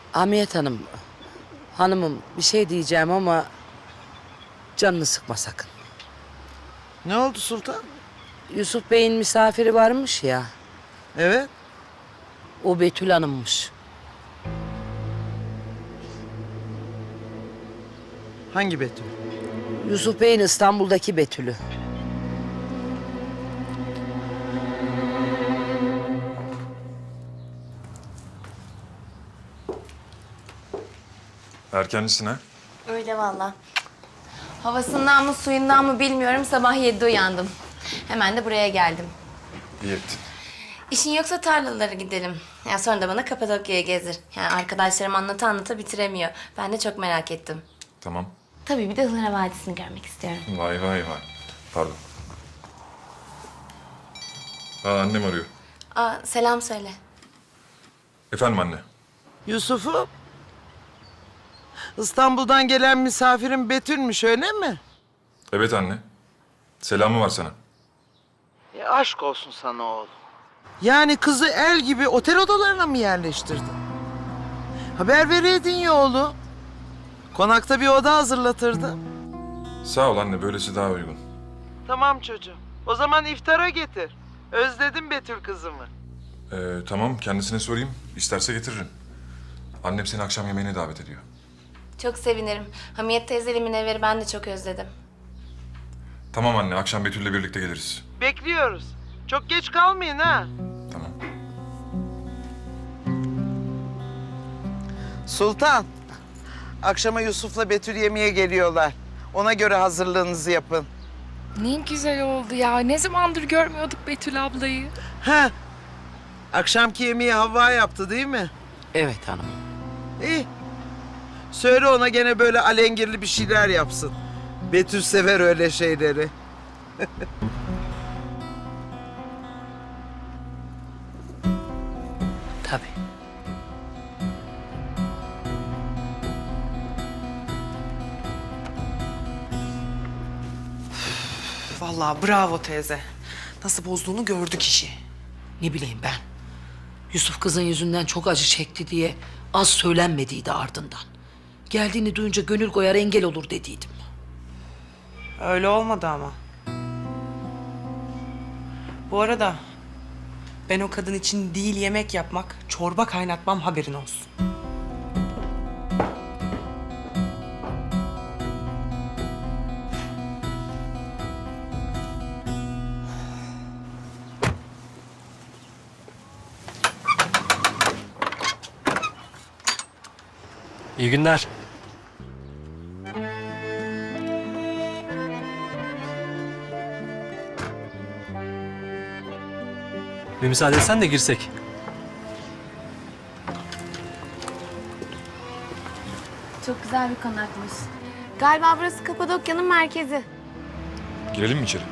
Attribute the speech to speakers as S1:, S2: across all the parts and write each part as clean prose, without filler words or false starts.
S1: Hamiyet Hanım, hanımım bir şey diyeceğim ama canını sıkma sakın.
S2: Ne oldu Sultan?
S1: Yusuf Bey'in misafiri varmış ya,
S2: Evet.
S1: o Betül Hanım'mış.
S2: Hangi Betül?
S1: Yusuf Bey'in İstanbul'daki Betül'ü.
S3: Erkencisin ha?
S4: Öyle valla. Havasından mı suyundan mı bilmiyorum, sabah 7'de uyandım. Hemen de buraya geldim.
S3: İyi ettin.
S4: İşin yoksa tarlalara gidelim. Ya sonra da bana Kapadokya'ya gezdir. Yani arkadaşlarım anlata anlata bitiremiyor. Ben de çok merak ettim.
S3: Tamam.
S4: Tabii bir de Ihlara Vadisi'ni görmek istiyorum.
S3: Vay vay vay. Pardon. Annem arıyor.
S4: Aa, selam söyle.
S3: Efendim anne.
S2: Yusuf'u? İstanbul'dan gelen misafirin Betül'müş öyle mi?
S3: Evet anne. Selamı var sana.
S2: Aşk olsun sana oğlum. Yani kızı el gibi otel odalarına mı yerleştirdin? Haber vereydin ya oğlum. Konakta bir oda hazırlatırdı.
S3: Sağ ol anne. Böylesi daha uygun.
S2: Tamam çocuğum. O zaman iftara getir. Özledim Betül kızımı.
S3: Tamam. Kendisine sorayım. İsterse getiririm. Annem seni akşam yemeğine davet ediyor.
S4: Çok sevinirim. Hamiyet teyzeyle Münevver'i ben de çok özledim.
S3: Tamam anne. Akşam Betül'le birlikte geliriz.
S2: Bekliyoruz. Çok geç kalmayın ha.
S3: Tamam.
S2: Sultan. Akşama Yusuf'la Betül yemeğe geliyorlar. Ona göre hazırlığınızı yapın.
S5: Ne güzel oldu ya. Ne zamandır görmüyorduk Betül ablayı.
S2: Ha. Akşamki yemeği Havva yaptı değil mi?
S1: Evet hanım.
S2: İyi. Söyle ona gene böyle alengirli bir şeyler yapsın. Betül sever öyle şeyleri.
S1: Tabii.
S6: Vallahi bravo teyze. Nasıl bozduğunu gördük işi.
S1: Ne bileyim ben. Yusuf kızın yüzünden çok acı çekti diye az söylenmediydi ardından. Geldiğini duyunca gönül koyar engel olur dediydim.
S6: Öyle olmadı ama. Bu arada ben o kadın için değil yemek yapmak, çorba kaynatmam haberin olsun.
S7: İyi günler. Bir müsaade etsen de girsek.
S4: Çok güzel bir konakmış. Galiba burası Kapadokya'nın merkezi.
S3: Girelim mi içeri?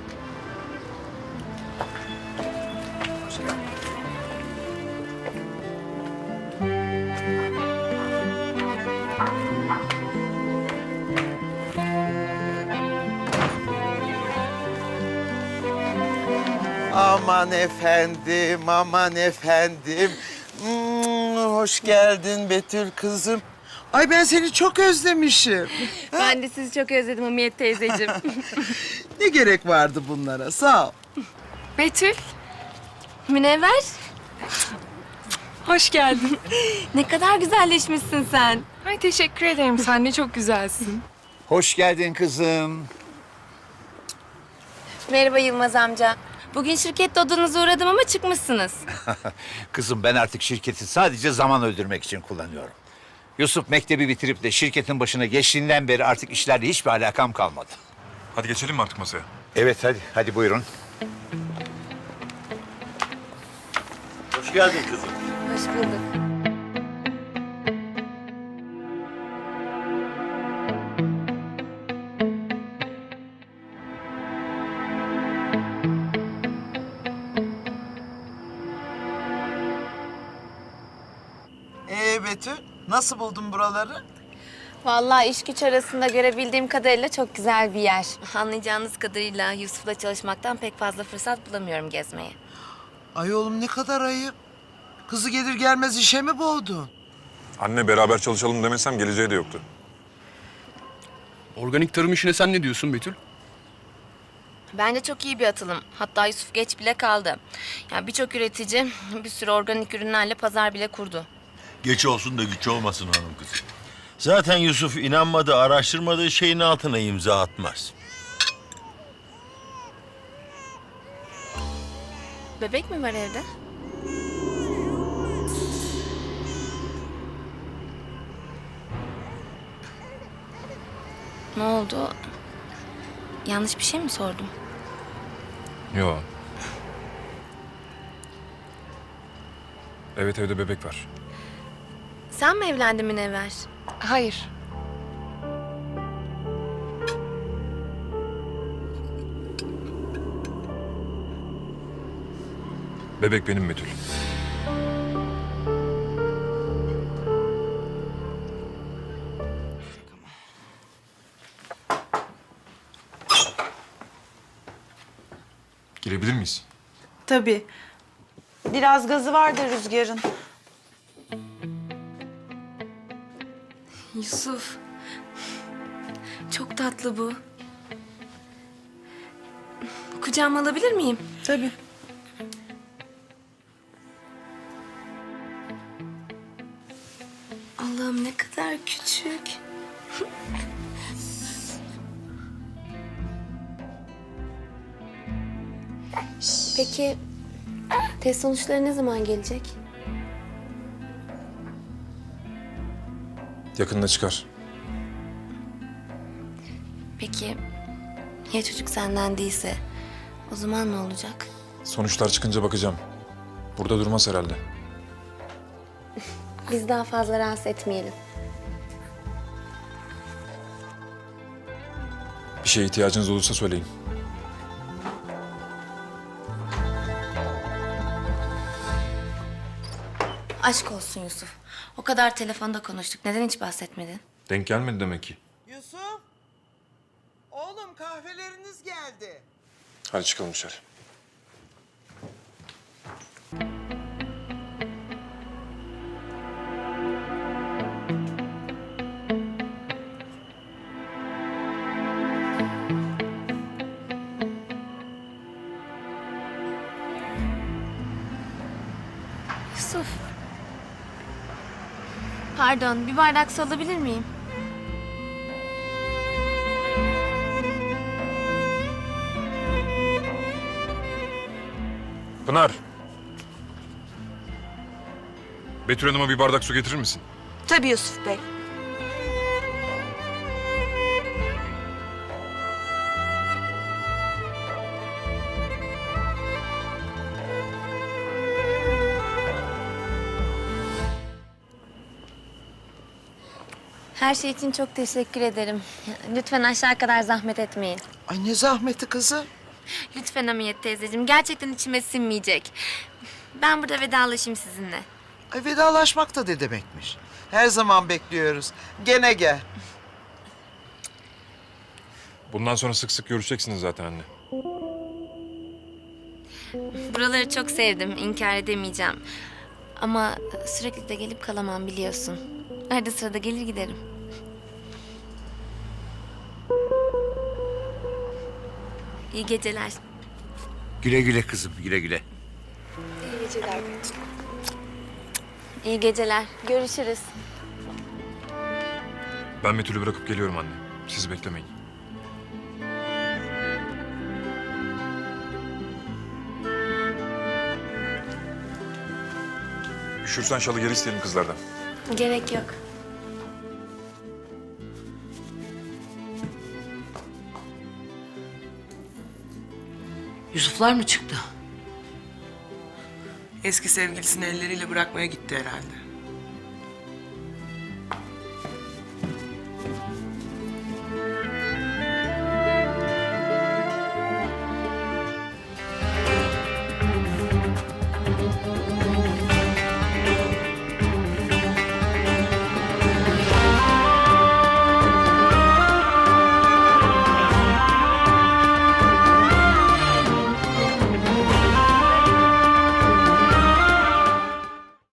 S2: Aman efendim, aman efendim. Hoş geldin Betül kızım. Ay ben seni çok özlemişim.
S4: Ben de sizi çok özledim Hamiyet teyzeciğim.
S2: Ne gerek vardı bunlara? Sağ ol.
S5: Betül,
S4: Münevver,
S5: hoş geldin.
S4: ne kadar güzelleşmişsin sen.
S5: Ay teşekkür ederim. Sen de çok güzelsin.
S8: Hoş geldin kızım.
S4: Merhaba Yılmaz amca. Bugün şirkette odanıza uğradım ama çıkmışsınız.
S8: Kızım ben artık şirketi sadece zaman öldürmek için kullanıyorum. Yusuf mektebi bitirip de şirketin başına geçtiğinden beri artık işlerle hiçbir alakam kalmadı.
S3: Hadi geçelim mi artık masaya?
S8: Evet hadi buyurun.
S7: Hoş geldin kızım.
S4: Hoş bulduk.
S2: Betül, nasıl buldun buraları?
S4: Vallahi iş güç arasında görebildiğim kadarıyla çok güzel bir yer. Anlayacağınız kadarıyla Yusuf'la çalışmaktan pek fazla fırsat bulamıyorum gezmeye.
S2: Ay oğlum ne kadar ayıp. Kızı gelir gelmez işe mi boğdun?
S3: Anne beraber çalışalım demesem geleceği de yoktu.
S9: Organik tarım işine sen ne diyorsun Betül?
S4: Bence çok iyi bir atılım. Hatta Yusuf geç bile kaldı. Yani birçok üretici bir sürü organik ürünlerle pazar bile kurdu.
S10: Geç olsun da güç olmasın hanım kızım. Zaten Yusuf inanmadığı, araştırmadığı şeyin altına imza atmaz.
S4: Bebek mi var evde? Ne oldu? Yanlış bir şey mi sordum?
S3: Yo. Evet, evde bebek var.
S4: Sen mi evlendin Münevver?
S5: Hayır.
S3: Bebek benim Betül. Girebilir miyiz?
S2: Tabii. Biraz gazı vardı Rüzgar'ın.
S4: Yusuf. Çok tatlı bu. Kucağıma alabilir miyim?
S2: Tabii.
S4: Allah'ım ne kadar küçük. Peki test sonuçları ne zaman gelecek?
S3: Yakında çıkar.
S4: Peki ya çocuk senden değilse o zaman ne olacak?
S3: Sonuçlar çıkınca bakacağım. Burada durmaz herhalde.
S4: Biz daha fazla rahatsız etmeyelim.
S3: Bir şeye ihtiyacınız olursa söyleyin.
S4: Aşk olsun Yusuf. O kadar telefonda konuştuk. Neden hiç bahsetmedin?
S3: Denk gelmedi demek ki.
S2: Yusuf. Oğlum kahveleriniz geldi.
S3: Hadi çıkalım dışarı.
S4: Yusuf. Pardon, bir bardak su alabilir miyim?
S3: Pınar. Betül Hanım'a bir bardak su getirir misin?
S2: Tabii Yusuf Bey.
S4: Her şey için çok teşekkür ederim. Lütfen aşağı kadar zahmet etmeyin.
S2: Ay ne zahmeti kızım.
S4: Lütfen Hamiyet teyzeciğim. Gerçekten içime sinmeyecek. Ben burada vedalaşayım sizinle.
S2: Ay vedalaşmak da ne demekmiş? Her zaman bekliyoruz. Gene gel.
S3: Bundan sonra sık sık görüşeceksiniz zaten anne.
S4: Buraları çok sevdim. İnkar edemeyeceğim. Ama sürekli de gelip kalamam biliyorsun. Arada sırada gelir giderim. İyi geceler.
S8: Güle güle kızım, güle güle.
S4: İyi geceler. Görüşürüz.
S3: Ben Betül'ü bırakıp geliyorum anne. Sizi beklemeyin. Üşürsen şalı geri isteyelim kızlardan.
S4: Gerek yok.
S1: Yusuflar mı çıktı?
S6: Eski sevgilisini elleriyle bırakmaya gitti herhalde.